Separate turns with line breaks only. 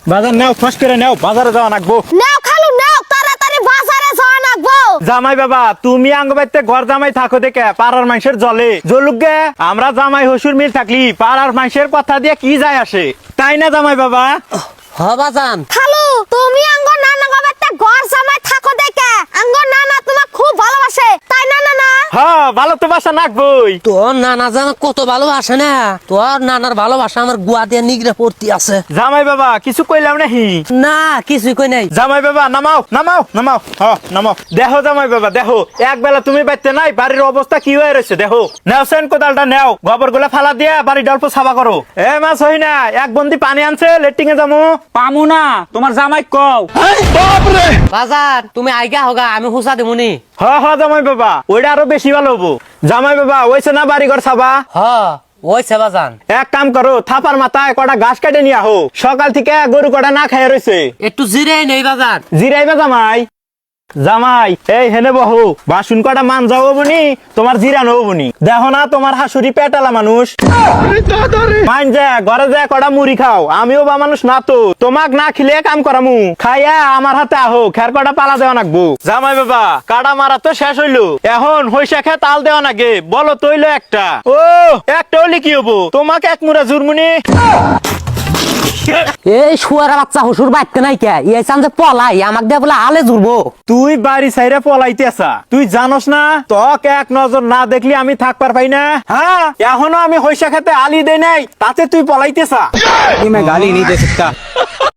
বাজার নাও, ফস করে নাও, বাজারে যাওয়া নাকবো।
নাও খালু নাও, তাড়াতাড়ি বাজারে যাওয়া লাগবো।
জামাই বাবা, তুমি আঙ্গ বাইতে ঘর জামাই থাকো দেখে পাড়ার মানুষের জলে জলুক গে। আমরা জামাই হসুর মিল থাকলি পাড়ার মানুষের কথা দিয়ে কি যায় আসে, তাই না জামাই বাবা?
হ বাজান।
খালু তুমি আঙ্গ নানা বাবাতে ঘর জামাই থাকো দেখে আঙ্গ নানা তোমার খুব ভালোবাসে, তাই না নানা?
হ্যাঁ, ভালো তো বাসা নাকবই।
তোর নানা জানা কত ভালোবাসে না, তোর নানার ভালোবাসা আমার গুয়া দিয়ে নিগড়ে পড়তি আছে।
জামাই বাবা কিছু কইলাম নাহি?
না কিছুই কই নাই।
জামাই বাবা নামাও নামাও নামাও, নামাও। দেখো জামাই বাবা দেখো, এক বেলা তুমি বাইতে নাই, বাড়ির অবস্থা কি হয়ে রয়েছে দেখো। নেও সেন কোদালটা নেও, গোবর গুলা ফালা দিয়ে বাড়ি অল্প সাফা করো। এ মা সহি না, এক বন্দি পানি আনছে, লেট্রিং এ যাবো।
পামু না, তোমার জামাই কও।
বাজার তুমি আইগা হোগা, আমি হুসা দেমুনি।
হ জামাই বাবা, ওইটা আরো বেশি ভালো হবো। জামাই বাবা ওইছে না বাড়ি ঘর সাবা?
হ ওইছে বাজান।
এক কাম করো, থাপার মাথায় কটা ঘাস কেটে নিয়ে আহো, সকাল থেকে গরু কটা না খাইয়া রয়েছে।
একটু জিরে নেই বাজার।
জিরাইবা জামাই? জামাই এই হেনে বহু বাসুন কটা মান যাও বনি, তোমার জিরানো বনি। দেখো না তোমার হাসুরি পেটালা মানুষ। মান যা ঘরে যা কটা মুড়ি খাও, আমিও বা মানুষ না তো, তোমাক না খিলে কাম করামু। খাইয়া আমার হাতে আহো, খের কটা পালা দেওয়া নাকবো। জামাই বাবা কাটা মারা তো শেষ হইলো, এখন হইসা খে তাল দেওয়া নাগে, বলো তৈল একটা। ও একটা হলে কি হবো, তোমাকে এক মুড়া জুরমুনি।
এই শুয়ারা বাচ্চা হসুর বাইতে নাই কে, এই চান যে পলাই আমাক দিয়ে বলে আলে জুড়বো।
তুই বাড়ি সাইরে পলাইতে আসা, তুই জানোস না তোকে এক নজর না দেখলি আমি থাকবার পাই না। হ্যাঁ এখনো আমি হইসা খেতে আলি দেই নাই, তাতে তুই পলাইতেছা।
मैं गाली नहीं दे सकता।